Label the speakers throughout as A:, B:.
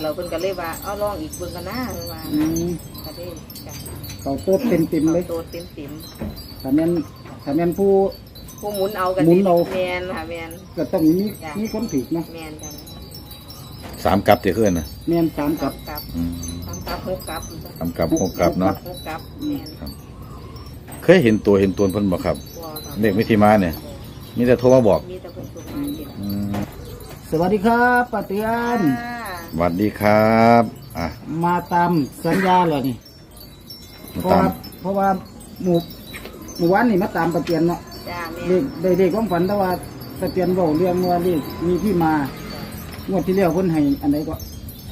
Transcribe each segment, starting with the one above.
A: เราเพิ่นก็เลยว่าเอาลองอีกเบิ่งกันนะว่าก็ได้จ้ะ
B: เขาโต๊ดเต็มเลย
A: โตเต็ม
B: ถ้าแม่นผู้
A: หมุนเอากันแม่นค่ะแม่น
B: ก็ต้องมีคนถือเนาะ
A: แม่นจ้ะ
C: 3กับที่ขึ้นน่ะ
B: แม่น3กับ
A: 3กับ6กับ
C: 3กับ6กับเนาะ
A: 6กับแม่น
C: เคยเห็นตัวเพิ่นบ่ครับเลขวิธีมาเนี่ยมีแต่โทรมาบอก
A: มีแต่เพิ่นโทรมา
B: สวัสดีครับป้าเตือน
C: สวัสดีครับ
B: มาตามสัญญาเลยนี่เพราะว่าหมู่วันนี่มาตามป้าเตือนเนาะเด็กความฝันแต่ว่าป้าเตือนบอกเรื่องว่าเลขมีที่มางวดที่แล้วเพิ่นให้อันไหนก็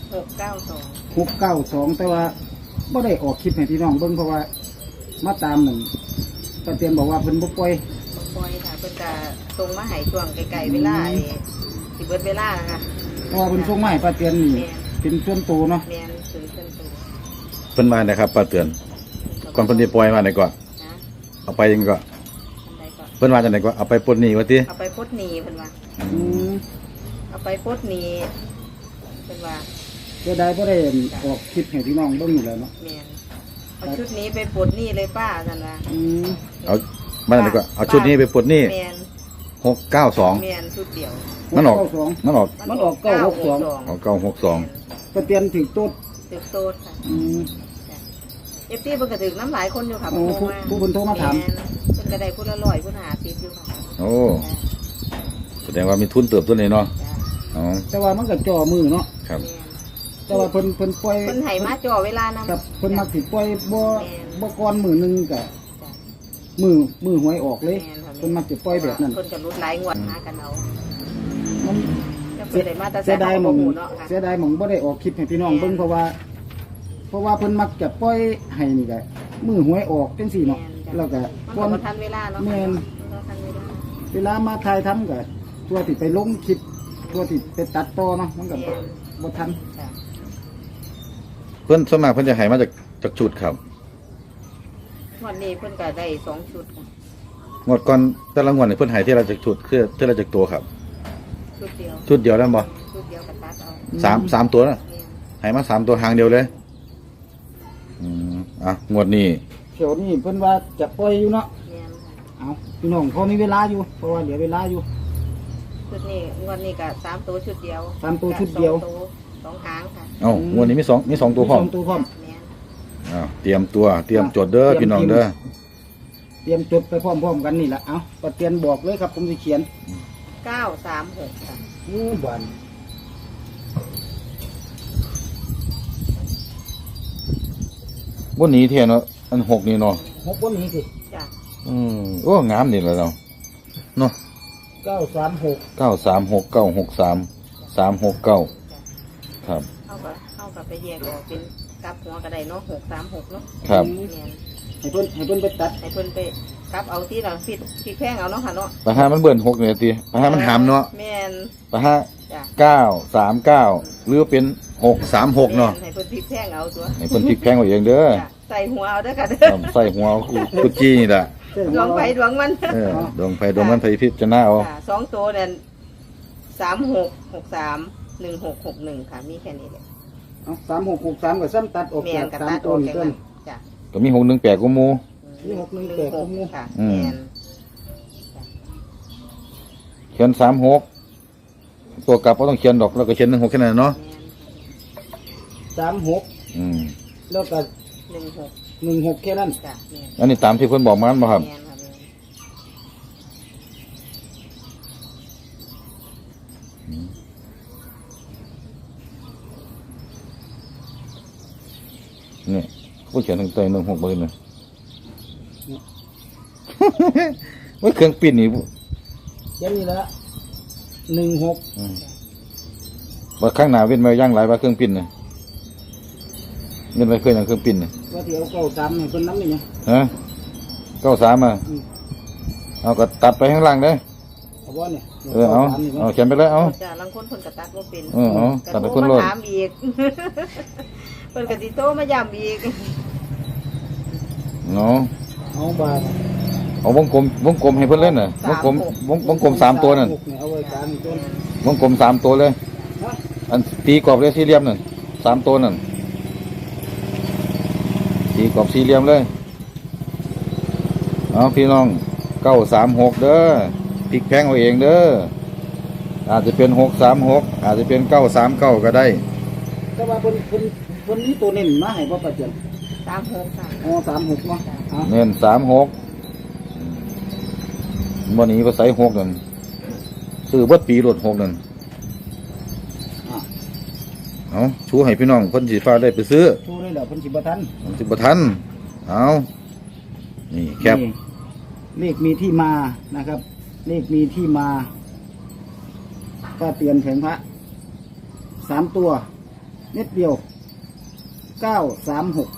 B: 692แต่ว่าบ่ได้ออกคลิปให้พี่น้องเบิ่งเพราะว่ามาตามหนึ่งป้าเตือนบอกว่าเพิ่นบ่ปล่อย
A: ค่ะเพิ่นจะส่งมาให้ช่วงไกลๆเวลาสิเบิดเวลาค่ะ
B: เพราะว่าเพิ่นส่งมาให้ป้าเตือนนี่เป็นส่วนตัวเนาะ
A: แม่นส่วนตัว
C: เพิ่นมาได้ครับป้าเตือนก่อนเพิ่นสิปล่อยมาได้ก่อนเอาไปยังก็เพิ่นว่าจังได๋ก็เอาไปปลดหนี้ว่าติ
A: เอาไปปลดหนี้เพิ่นว่าเอาไปปลดหนี้เพิ่นว่า
B: จะได้บ่ได้ออกคลิปให้พี่น้องเบิ่งอยู่แล้วเนาะ
A: แม่นเอาชุดนี้ไปปลดหนี้เลยป้าซั่นว่า
C: เอามาได้ก็เอาชุดนี้ไปปลดหนี้
A: แม่น
C: 692
A: แม่นชุดเดียว
C: มันออก
B: 962ออก
C: 962
B: ป้าเตือนถึงโต๊ด
A: ค่ะFT เพิ่นก็ถึงน้ำหลายคนอยู่ค่ะ
B: ผู้เพิ่นโทรมาถาม
A: เพิ่นก็ได้ผู้ละ100ผู้50อยู่ค่ะ
C: โอ้แสดงว่ามีทุนเติบตัวนี้เนาะ
B: แต่ว่ามันก็จ่อมือเนาะ
C: ครับ
B: แต่ว่าเพิ่นปล่อย
A: เพิ่นให้มาจ่อเวลานำ
B: ครับเพิ่นมักสิปล่อยบ่ก่อนมื้อนึงก็มือหวยออกเลยเพิ่นมักสิปล่อยแบบนั้น
A: เพิ่นก็รุดหลายงวดหากันเอา
B: มัน
A: เสียดาย
B: หม่องบ่ได้ออกคลิปให้พี่น้องเบิ่งเพราะว่าเพิ่นมักจะปล่อยให้นี่ก็มือหวยออกจังซี่เนาะแล้วก็
A: ก่อนทันเวลาเนาะ
B: แม่นเวลามาถ่ายทำก็ตัวที่ไปลงคลิปตัวที่ไปตัดต่อเนาะมันก็บ่ทัน
C: เพิ่นส่วนมากเพิ่นจะให้มาจากชุดครับ
A: วันนี้เพิ่นก็ได้2ชุดค่ะ
C: งวดก่อนแต่ละงวดนี่เพิ่นให้ที่ละจากชุดคือที่ละจากตัวครับชุดเดียวแล้วบ่
A: ชุดเดียวกับตัดเอา
C: 3ตัวนะให้มา3ตัวทางเดียวเลยงวดนี้
B: เดี๋ยวนี้เพิ่นว่าจะปล่อยอยู่เนาะเอาพี่น้องพอมีเวลาอยู่เพราะว่าเหลือเวลาอยู่
A: ชุดนี้งวดนี้ก็3ตัวชุดเดียว
B: 3ตัวชุดเดียว
A: 2หางค่ะ
C: งวดนี้มี2ตัวพร้อมเตรียมจดเด้อพี่น้องเด้อ
B: เตรียมจดไปพร้อมๆกันนี่แหละเอาป้าเตือนบอกเลยครับผมจะเขียน
A: 936ค่ะ
B: บ้าน
C: บ่หนีเท่เนาะอัน6นี่เนาะ
B: 6บ่หนีสิ
A: จ้ะ
C: โอ้งามนี่แหละเนาะ
B: 936
C: 936 963 369ครับ
A: เอากับไปแยกออกเป็นกลับหัวก็ได้เนาะ636เนาะ
C: ครับ
B: ให้เพิ่นไปตัด
A: ให้เพิ่นไปกลับเอาที่หลังผิดแพงเอาเนาะค่ะเนาะ
C: ปะฮะมันเบิ่น6นี่ติปะฮะมันหามเนาะ
A: แม่น
C: ปะฮะ939หรือเป็น636เนาะ
A: ให้เพิ่นพริกแพงเอาตัว
C: ให้เพิ่นพริกแพงเอาเองเด้อ
A: ใส่หัวเอาเด้อค่ะเด้อ
C: ใส่หัวกุจีนี่ล่ะ
A: ดวงไฟดวงมัน
C: ดวงไฟดวงมันไผพิจารณาเอา
A: 2ตัวเนี่ย3663 1661ค่ะมีแค่นี้แหละ
B: 3663ก็ซ้ำตัดออกจาก3ตัวนี่เพิ่น
A: จ้ะ
C: ก็มี618กูหมู่
B: มี618กูหมู่
A: ค่ะแม่น
C: เขียน36ตัวกลับบ่ต้องเขียนดอกแล้วก็เขียน16แค่นั้นเนาะ
B: 36แล้วก็16แค่นั้น
A: จ้ะ
C: อันนี้ตามที่เพิ่นบอกมาบ่ครับนี่ผู้เขียนถึงใจ16เบอร์เลยว่าเครื่องปิ้นนี่
B: ยังนี่ละ16
C: ว่าข้างหน้าเว้นมาย่างหลายว่าเครื่องปิ้นนี่เงินไปเคยอย่างเครื่องปิ้นนี่
B: ว่าที่เอา93นี่เพิ่นนำนี่
C: ฮะ93เอาก็ตัดไปข้างล่างเด้
B: เอาบ่เนี่ย
C: เอาเขียนไปเลยเอา
A: จ้ะลังคนเพิ่นก็ตัดบ่เป็น
C: ตัดไปคนโลด
A: ถามอีกเพิ่นก็สิโตมาย้ำอีก
C: เนาะ
B: เอาบาท
C: เอาวงกลมให้เพิ่นเล่นน่ะวงกลม3ตัวนั่น
B: เอาไว้3ตัว
C: วงกลม3ตัวเลยอันตีกรอบเลยสี่เหลี่ยมนั่น 3ตัวนั่นสีกรอบสี่เหลี่ยมเลยเอาพี่น้อง936เด้อพลิกแพงเอาเองเด้ออาจจะเป็น636อาจจะเป็น939ก็ได้
B: แต่ว่าคนนี้ตัวเน้นมาให้บ่ประเจียน
A: 36ค่ะ
B: อ๋อ36เนาะอ่ะ
C: เน้น36วันนี้ภาษา6นั่นซื้อเบิดปีรถ6นั่น
B: อ่ะ
C: เอาชูให้พี่น้องเพิ่นสิฟ้าได้ไปซื้อ
B: ชูได้แล้วเพิ่นสิบ่ทัน
C: มันสิบ่ทันเอานี่แคป
B: นี่เลขมีที่มานะครับ เลขมีที่มาก็เตือนแผงพระ3ตัวเม็ดเดียว936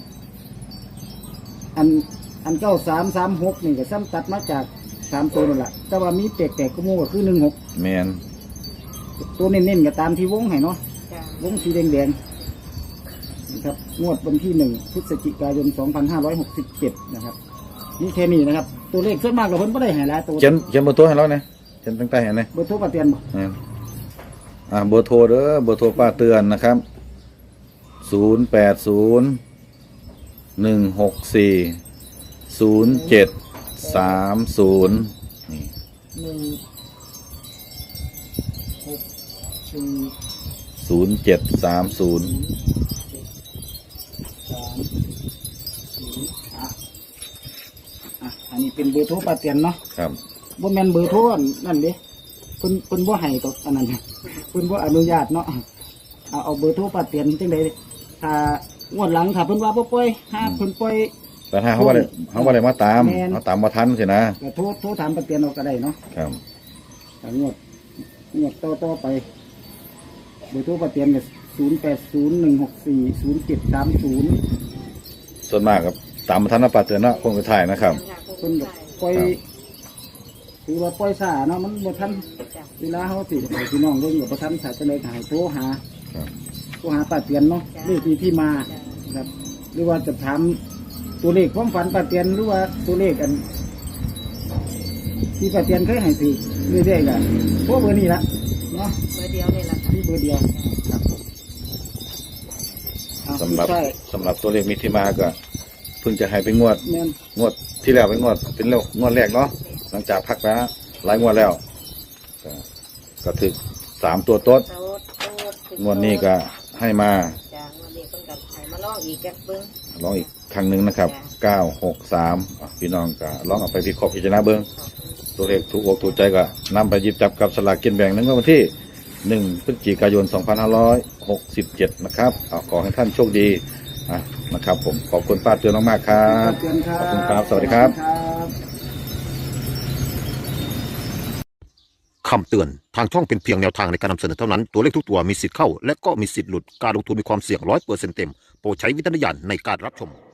B: อัน9336นี่ก็ซ้ำตัดมาจาก3ตัวนั่นแหละแต่ว่ามีแตกๆก็มูก็คือ16
C: แมน
B: ตัวเน้นๆก็ตามที่วงให้เนาะ
A: จ้ะ
B: วงสีแดงๆนะครับงวดวันที่1พฤศจิกายน2567นะครับนี่แค่นี้นะครับ ตัวเลขส่วนมากเราเพิ่นไม่ได้ให้หลายตัว
C: เขียนเบอร์โทรให้เราเนี่ยเขียนตั้งแต่เห็นไหม
B: เบอร์โทรป้าเตียนบ่
C: เบอร์โทรเด้อเบอร์โทรป้าเตือนนะครับ0801640730นี่
B: 164
C: 0730
B: อันนี้เป็นเบอร์โทรป้าเตียนเนาะ
C: ครับ
B: บ่แม่นเบอร์โทรนั่นเด้เพิ่นบ่ให้ตกอันนั้นเพิ่นบ่อนุญาตเนาะเอาเบอร์โทรป้าเตียนจังได๋ถ้างวดหลังถ้าเพิ่นว่าบ่ปล่อยหาเพิ่นปล่อย
C: แต่ถ้าเขาว่าได้มาตาม
B: แม่น
C: เขาตามมาทันสินะ
B: ก็โทรถามป้าเตียนเอาก็ได้เนาะ
C: ครับ
B: ถ้างวดต่อไปเบอร์โทรป้าเตียนก็0801640730
C: ส่วนมากครับตามมาทันนะป้าเตือนเนาะคงไปถ่ายนะครับ
B: เพิ่นก็ปล่อยถือว่าปล่อยซ่าเนาะมันบ่ทัน
A: จ้ะ
B: เวลาเขาสิให้พี่น้องเบิ่งก็บ่ทันถ้าจะเลยก็ให้โทรหา
C: ครับ
B: ป้าเตียนเนาะเลขที่มา
A: จ้ะ
B: ครับหรือว่าจะถามตัวเลขความฝันป้าเตียนหรือว่าตัวเลขอันที่ป้าเตียนเคยให้ถือเรื่อยๆกันเพราะเบอร์นี้ละเนาะ
A: เบอร์เดียวนี่แหละค่ะ
B: ที่เบอร์เดียวครับเอา
C: สำหรับ
B: ใช่
C: สำหรับตัวเลขมีที่มาก็เพิ่งจะให้ไปงวด
B: แม่น
C: งวดที่แล้วเป็นงวดงวดแรกเนาะหลังจากพักไปหลายงวดแล้วก็ถึก3ตัวต้น
A: โต๊ดโต๊ด
C: งวดนี้ก็ให้มา
A: จ้ะงวดนี้เพิ่นก็ให้มาลองอีกแกะเบิ่ง
C: ลองอีกครั้งหนึ่งนะครับ963พี่น้องก็ลองเอาไปวิเคราะห์พิจารณาเบิ่งตัวเลขถูกอกถูกใจก็นำไปหยิบจับกับสลากกินแบ่งในวันที่1พฤศจิกายน2567นะครับขอให้ท่านโชคดีนะครับผมขอบคุณป้าเตือนมากๆครับ
B: ป้าเตียนครับ
C: ขอบคุณครับสวัสดีครับ
D: คำเตือน ทางช่องเป็นเพียงแนวทางในการนำเสนอเท่านั้น ตัวเลขทุกตัวมีสิทธิ์เข้า และก็มีสิทธิ์หลุด การลงทุนมีความเสี่ยง100%เต็ม โปรดใช้วิจารณญาณในการรับชม